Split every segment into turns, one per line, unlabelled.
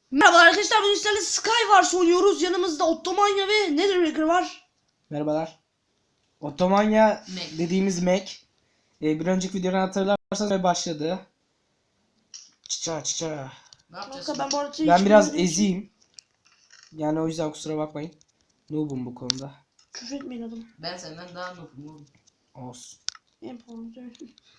Merhaba arkadaşlar, bugün sizlerle Skywars oynuyoruz. Yanımızda Ottomanya ve Netherraker var.
Merhabalar. Ottomanya dediğimiz Mac. Bir önceki videodan hatırlarsanız başladı. Çiça.
Ne yapacağız?
Kanka ben bu arada
Ben
hiç
biraz
bilmediğim için
eziyim. Yani o yüzden kusura bakmayın. Noob'um bu konuda.
küfür etmeyin adamı.
Ben senden daha noobum.
Olsun.
En pahalı değil.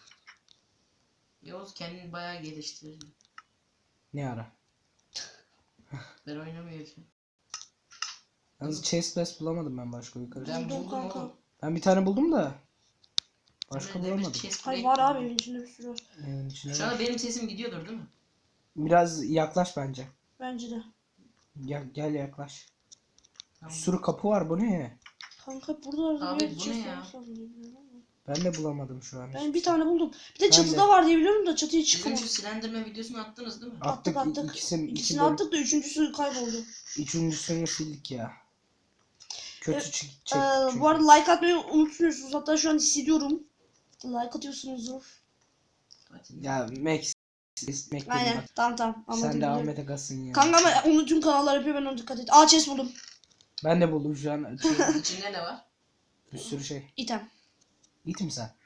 Yavuz kendini bayağı geliştirdi.
Ne ara?
Ben oynamıyorum.
Yalnız chest bulamadım ben başka yukarı.
Ben
Buldum
buldum
kanka.
oğlum.
Ben bir tane buldum da. Başka
Ben de bir
bulamadım.
chest
Hayır
plate
var
buldum.
abi, evin içinde bir sürü var.
İçine
Şu
var.
anda benim sesim gidiyordur değil mi?
Biraz yaklaş bence.
Bence de.
Gel yaklaş. Bir
Tamam.
sürü kapı var, bu ne?
Kanka burada
Abi,
bir yerde
bu ne
chest
ya?
olması lazım diye biliyorum ama.
Ben de bulamadım şu an.
Ben bir tane buldum. Bir de
Ben
çatıda
de.
var diye biliyorum da çatıya
Bizim
çıkamam.
şu Slenderman videosunu attınız değil mi?
Attık.
İkisini
İkisini attık da üçüncüsü kayboldu.
Üçüncüsünü sildik ya. Kötü
Evet,
çekti çünkü.
Bu arada like atmayı unutmuyorsunuz. Hatta şu an hissediyorum. Like atıyorsunuzdur.
Hadi.
Ya Mac dedim
Aynen.
bak.
Tamam. Anladım.
Sen de
biliyorum.
Ahmet Agas'ın ya.
Kanka ama onu tüm kanallar yapıyor, ben ona dikkat et. Aa, chest buldum.
Ben de buldum şu an.
İçinde ne var?
Bir sürü şey.
İtem.
İt mi sen?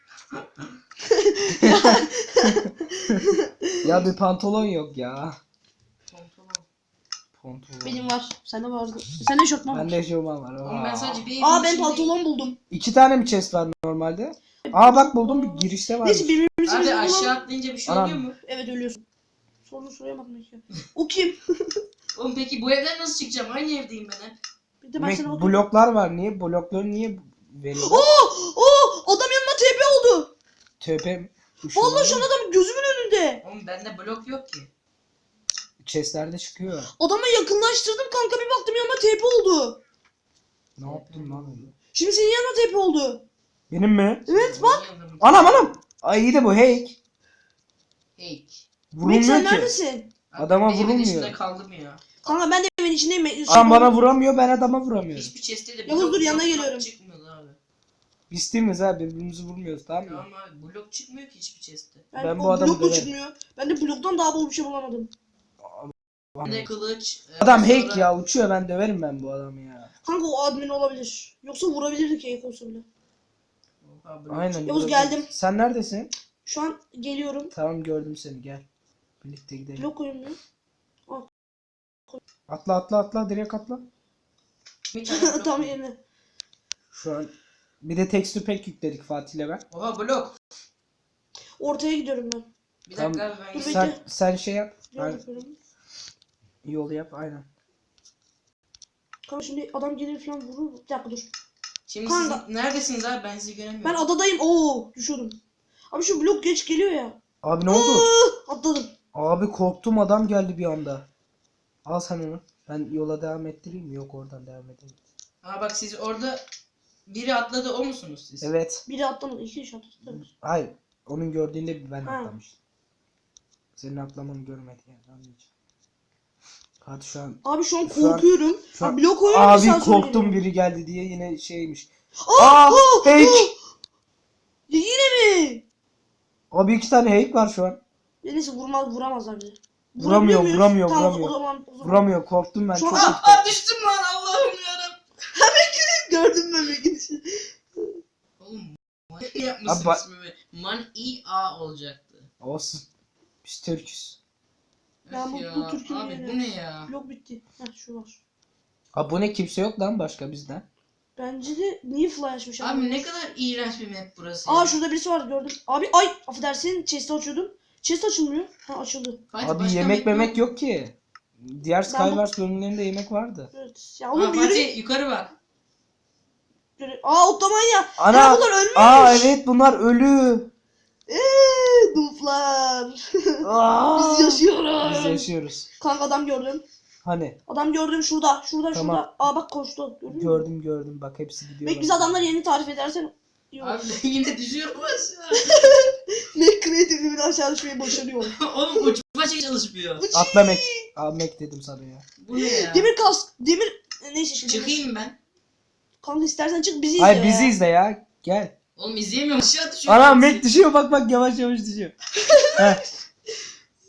Ya bir pantolon yok ya. Pantolon.
Benim var. Sende vardı. Sende şortman var.
Bende eşofman var.
Oğlum ben sadece bir
Aa,
evin
ben
içindeyim.
pantolon buldum.
İki tane mi chest var normalde? Aa bak buldum, bir girişte var.
Neyse birbirimizi
Abi
birbirimize
aşağı
bulalım.
atlayınca bir şey
Anam.
oluyor mu?
Evet, ölüyorsun. Sorunu soramadım ki. O kim?
Oğlum peki bu evden nasıl çıkacağım? Aynı evdeyim ben hep.
Bir de ben sana
Mac,
bakıyorum.
bloklar var. Niye? Blokları niye veriyor?
Adam yanıma TP oldu.
Töpe.
Vallahi şu an adam gözümün önünde.
Oğlum bende blok yok ki.
Chestlerde çıkıyor.
Adama yakınlaştırdım kanka, bir baktım yanıma TP oldu.
Ne yaptın lan öyle?
Şimdi senin yanına TP oldu.
Benim mi?
Evet bak.
Anam. Ay iyi de bu hack.
Hey.
Mac,
Vurulmuyor
sen
ki.
neredesin?
Adama
Ben evin
vurulmuyor.
içinde kaldım ya.
Kanka ben de evin içindeyim.
Adam bana vuramıyor, ben adama vuramıyorum.
Hiçbir chest'te de
Yavuz,
blok
dur, yanına
yok,
geliyorum.
çıkmıyordu abi.
Biz temiz ha, birbirimizi vurmuyoruz, tamam mı?
Tamam abi blok çıkmıyor ki hiçbir chest'te.
Ben bu
o
adamı
blok da
döverim.
çıkmıyor. Ben de bloktan daha bol bir şey bulamadım.
Bir de kılıç.
Adam
sonra-
hack ya, uçuyor, ben döverim ben bu adamı ya.
Kanka o admin olabilir. Yoksa vurabilirdik hack olsa bile.
Oha, blok
Aynen.
çıkıyor.
Yavuz,
vurabilirim.
geldim.
Sen neredesin?
Şu an geliyorum.
Tamam, gördüm seni, gel. Birlikte gidelim.
Blok oyunu.
Atla, direkt atla.
Bir tane blok
Tam
var.
yerine.
Şu an bir de texture pack yükledik Fatih'le ben.
Oha blok.
Ortaya gidiyorum ben.
Bir
Tamam.
dakika abi ben
Dur,
gideyim.
bekle.
Sen şey yap.
Yol
Aynen.
yapıyorum.
Yol yap, aynen.
Kanka şimdi adam gelir falan vurur. Bir dakika dur.
Şimdi
Kanka.
siz neredesiniz abi ben sizi göremiyorum.
Ben adadayım. Oo, düşüyordum. Abi şu blok geç geliyor ya.
Abi ne oldu?
Atladım.
Abi korktum, adam geldi bir anda. Al sen onu. Ben yola devam ettireyim mi? Yok, oradan devam edelim.
Aa bak siz orada biri atladı o musunuz siz?
Evet.
Biri atlamadı. İki kişi atladı.
Hayır. Onun gördüğünde ben
Ha.
atlamıştım. Senin atlamanı görmedi yani, anlayacağım. Hadi şu an.
Abi şu an
Şu an-
korkuyorum.
şu an-
Abi blok oynuyor.
Abi korktum, biri geldi diye yine şeymiş. Aa, hack!
Ya yine mi?
Abi iki tane hack var şu an.
Ya neyse vuramazlar bizi.
Vuramıyor,
Vurabiliyor muyuz?
vuramıyor,
Tamam,
vuramıyor.
O zaman.
Vuramıyor, korktum ben
Şu an-
çok.
Aa düştüm lan Allah'ım yarabbim.
Gördün mü be gidişi?
Oğlum manyak yapmışsın
Abi,
ismimi. Man-i-a olacaktı.
Olsun. Biz Türküz.
Ben
Öf
bu Türk'ün
abi
yerine-
bu ne ya?
Blok bitti. Heh, şu var.
Abi bu ne, kimse yok lan başka bizden.
Bence de niye fly açmış
Abi ne kadar iğrenç bir map burası
Aa,
ya.
şurada birisi var, gördüm. Abi ay, affedersin, chest'i açıyordum. Chest açılmıyor. Ha, açıldı.
Fatih,
Abi
başka
yemek
map
memek yok ki. Diğer
Ben
Skywars bölümlerinde yemek vardı.
Evet. Ya
Aa,
oğlum yürü.
Fatih yukarı bak.
Aa, Ottomanya.
Ana!
Ya bunlar ölmüş.
Aa evet, bunlar ölü.
Duflar.
Aa!
Biz yaşıyoruz.
Biz yaşıyoruz.
Kanka adam gördüm.
Hani?
Adam gördüm şurada. Şurada.
Tamam.
Aa bak, koştu. Gördün mü?
Gördüm bak, hepsi gidiyor.
Belki bize adamlar yerini tarif edersen. Yok.
Abi ben yine düşüyorum aşağı.
Ne kreatifliğimin aşağı düşmeyi başarıyor.
Oğlum uçma şey çalışmıyor.
Atla Mac. Abi Mac dedim sana ya.
Bu ne ya?
Demir kask. Neyse şimdi.
Çıkayım ben.
Kanka istersen çık, bizi izle.
Hayır, bizi
ya.
izle ya. Gel.
Oğlum izleyemiyorum aşağı düşüyorum.
Ana Mac düşüyor, bak yavaş yavaş düşüyor. Heh.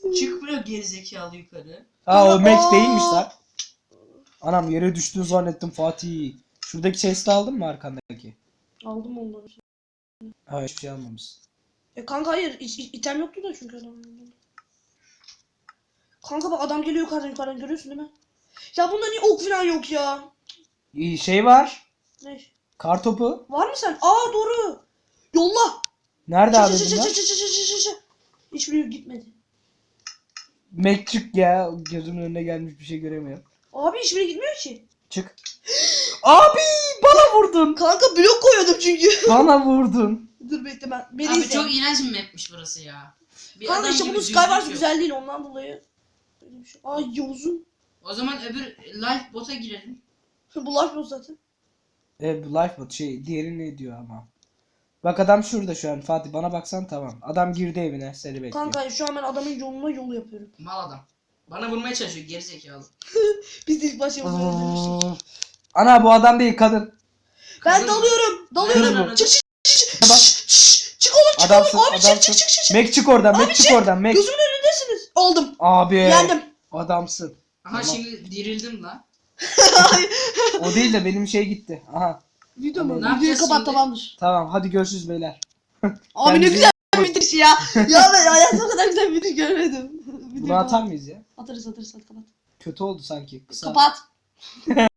Çıkmıyor gerizekalı yukarı.
Ha o
Aa!
Mac değilmiş lan. Anam yere düştün zannettim Fatih. Şuradaki chest'i aldın mı arkandaki?
Aldım onları.
Ha hiçbir şey almamışsın.
Kanka hayır item yoktu da çünkü adamın. Kanka bak adam geliyor yukarıdan görüyorsun değil mi? Ya bunda niye ok falan yok ya?
İyi şey var.
Ne?
Kartopu.
Var mı sen? Aa doğru. Yolla.
Nerede abi
Çı- çı- çı-
bunlar?
çı- çı- çı- çı- çı- çı. Hiçbiri gitmedi.
Mac çık ya. Gözümün önüne gelmiş bir şey göremiyorum.
Abi hiçbiri gitmiyor ki.
Çık. Abi bana vurdun.
Kanka blok koyuyordum çünkü.
Bana vurdun.
Dur bekle ben. Beni
Abi
izle.
çok iğrenç bir mapmiş burası ya. Bir
Kanka
adam
işte
gibi
bunun
düzlük
Skywars
yok.
güzel değil ondan dolayı. Öyle bir şey. Ay Yavuz'un.
O zaman öbür Lifebot'a girelim.
Bu laf yok zaten.
Bu Lifebot şey diğeri ne diyor ama. Bak adam şurada şu an Fatih bana baksan tamam. Adam girdi evine seni bekliyor.
Kanka şu an ben adamın yoluna yol yapıyorum.
Mal adam. Bana vurmaya çalışıyor gerizekalı.
Biz de ilk başta Yavuz'u öldürmüştük.
Ana bu adam değil kadın.
Ben
Kızım-
dalıyorum.
Kız
Dalıyorum.
mı?
Çık çık çık.
Bak.
Çık oğlum çık
Adamsın,
oğlum. Abi çık
adamsın.
çık çık çık.
Mac çık oradan, Mac
Abi
çık
çık.
oradan, Mac.
Gözümün önündesiniz. Aldım.
Abi.
Yendim.
Adamsın.
Aha
Tamam.
şimdi dirildim la.
O değil de benim şey gitti. Aha.
Video mu?
Ne
Videoyu
yapacağız
kapat
şimdi?
tamamdır.
Tamam hadi görüşürüz beyler.
Abi ne
Kendinize-
güzel bir bitiriş ya. Ya ben hayatımda o kadar güzel bir bitiriş görmedim.
Bunu atar mıyız ya?
Atarız hadi kapat.
Kötü oldu sanki. Kısa.
Kapat.